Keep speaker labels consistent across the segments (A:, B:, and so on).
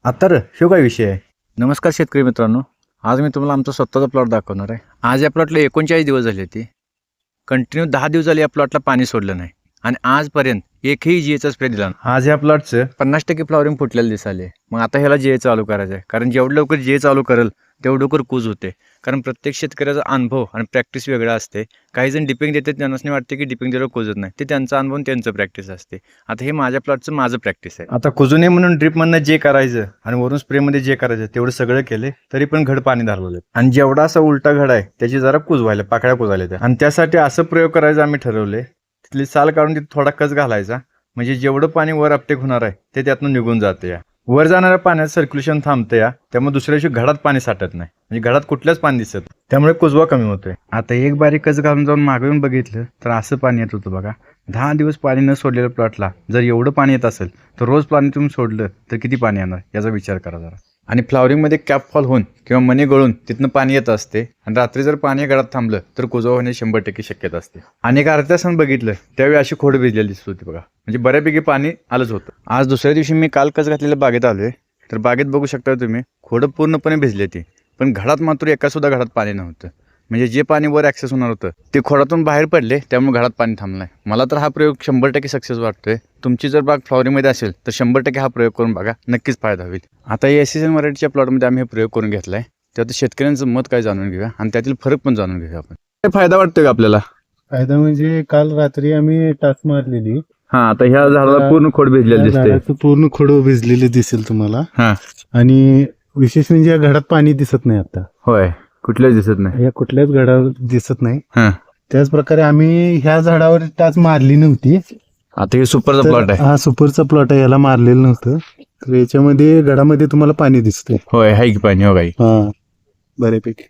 A: आता ह्यो काय विषय आहे? नमस्कार शेतकरी मित्रांनो, आज मी तुम्हाला आमचा स्वतःचा प्लॉट दाखवणार आहे. आज या प्लॉटला 39 दिवस झाले होते. कंटिन्यू 10 दिवस झाले या प्लॉटला पाणी सोडलं नाही आणि आजपर्यंत एकही जीएचा स्प्रे दिला नाही. आज या प्लॉटचं 50% फ्लॉवरिंग फुटलेलं दिसाले. मग आता ह्याला जीए चालू करायचं आहे, कारण जेवढं लवकर जीए चालू करेल तेवढं लवकर कूज होते. कारण प्रत्येक शेतकऱ्याचा अनुभव आणि प्रॅक्टिस वेगळा असते. काही जण डिपिंग देतात, त्यांना नाही वाटते की डिपिंग दिल्यावर कुजत नाही. ते त्यांचा अनुभव आणि त्यांचं प्रॅक्टिस असते. आता हे माझ्या प्लॉटचं माझं प्रॅक्टिस आहे. आता कुजू नये म्हणून ड्रिपमधनं जे करायचं आणि वरून स्प्रेमध्ये जे करायचं तेवढं सगळं केले, तरी पण घड पाणी धरवलं. आणि जेवढा असा उलटा घड आहे त्याची जरा कुजवायला पाकळ्या कुजवायला त्या. आणि त्यासाठी असं प्रयोग करायचा आम्ही ठरवले. तिथली साल काढून तिथे थोडा कच घालायचा, म्हणजे जेवढं पाणी वर अपटेक होणार आहे ते त्यातून निघून जाते. या वर जाणाऱ्या पाण्यात सर्क्युलेशन थांबतं या, त्यामुळे दुसऱ्या दिवशी घडात पाणी साठत नाही, म्हणजे घडात कुठल्याच पाणी दिसत, त्यामुळे कुजवा कमी होतोय. आता एक बारीक कच घालून जाऊन मागून बघितलं तर असं पाणी येत होतं बघा. 10 दिवस पाणी न सोडलेल्या प्लॉटला जर एवढं पाणी येत असेल तर रोज पाणी तुम्ही सोडलं तर किती पाणी येणार याचा विचार करा जरा. आणि फ्लॉवरिंगमध्ये कॅप फॉल होऊन किंवा मणी गळून तिथनं पाणी येत असते आणि रात्री जर पाणी गळात थांबलं तर कुजवा होण्याची 100% शक्यता असते. आणि एक अर्ध्या तासानं बघितलं त्यावेळी अशी खोड भिजलेली दिसत होती बघा, म्हणजे बऱ्यापैकी पाणी आलंच होतं. आज दुसऱ्या दिवशी मी काल कच घातलेल्या बागेत आलोय, तर बागेत बघू शकता तुम्ही खोडं पूर्णपणे भिजली ती, पण घडात मात्र एका सुद्धा घडात पाणी नव्हतं. म्हणजे जे पाणी वर ॲक्सेस होणार होतं ते खोडातून बाहेर पडले, त्यामुळे घडात पाणी थांबलं. मला तर हा प्रयोग 100% सक्सेस वाटतोय. तुमची जर बाग फ्लॉवरिंगमध्ये असेल तर 100% हा प्रयोग करून बघा, नक्कीच फायदा होईल. आता या SSN व्हरायटीच्या प्लॉटमध्ये आम्ही हे प्रयोग करून घेतलाय. त्यात शेतकऱ्यांचं मत काय जाणून घेऊया आणि त्यातील फरक पण जाणून घेऊया आपण. काय फायदा वाटतोय का आपल्याला?
B: फायदा म्हणजे काल रात्री आम्ही टाच मारलेली.
A: हा, आता ह्या झाडाला पूर्ण खोड भिजलेलं दिसते.
B: झाडाचं पूर्ण खोड भिजलेले दिसेल तुम्हाला.
A: हा,
B: आणि विशेष म्हणजे या घडात पाणी दिसत नाही आता.
A: होय, कुठल्याच दिसत नाही,
B: या कुठल्याच घडावर दिसत नाही.
A: हा.
B: त्याच प्रकारे आम्ही ह्या झाडावर टाच मारली नव्हती.
A: आता हे सुपरचा प्लॉट आहे.
B: हा सुपरचा प्लॉट आहे, याला मारलेलं नव्हतं. तर याच्यामध्ये घडामध्ये तुम्हाला पाणी दिसतंय.
A: होय, हाय की पाणी, हो काही.
B: हा, बऱ्यापैकी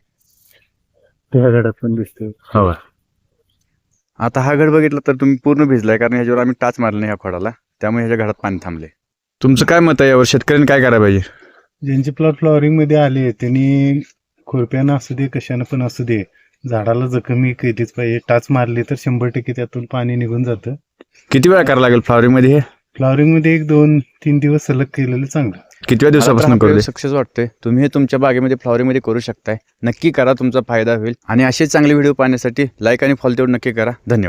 B: त्या घडात पण दिसतंय.
A: हो. आता हा घड बघितला तर तुम्ही पूर्ण भिजलाय, कारण ह्याच्यावर आम्ही टाच मारले नाही या खोडाला, त्यामुळे ह्याच्या घडात पाणी थांबले. तुमचं काय मत आहे यावर? शेतकऱ्यांनी काय करायला पाहिजे?
B: ज्यांचे प्लॉट फ्लॉवरिंग मध्ये आले त्यांनी खुरप्यानं असू दे कशानं पण असू दे झाडाला जखमी केलीच पाहिजे. टाच मारली तर 100% त्यातून पाणी निघून जातं.
A: किती वेळा करायला लागेल फ्लॉवरिंग मध्ये हे?
B: फ्लॉवरिंग मध्ये 1-2-3 दिवस सलग केलेलं चांगलं.
A: कितव्या दिवसापासून करू सक्सेस वाटतंय? तुम्ही हे तुमच्या बागेमध्ये फ्लॉवरिंग मध्ये करू शकताय. नक्की करा, तुमचा फायदा होईल. आणि असे चांगले व्हिडिओ पाहण्यासाठी लाईक आणि फॉलो तेवढं नक्की करा. धन्यवाद.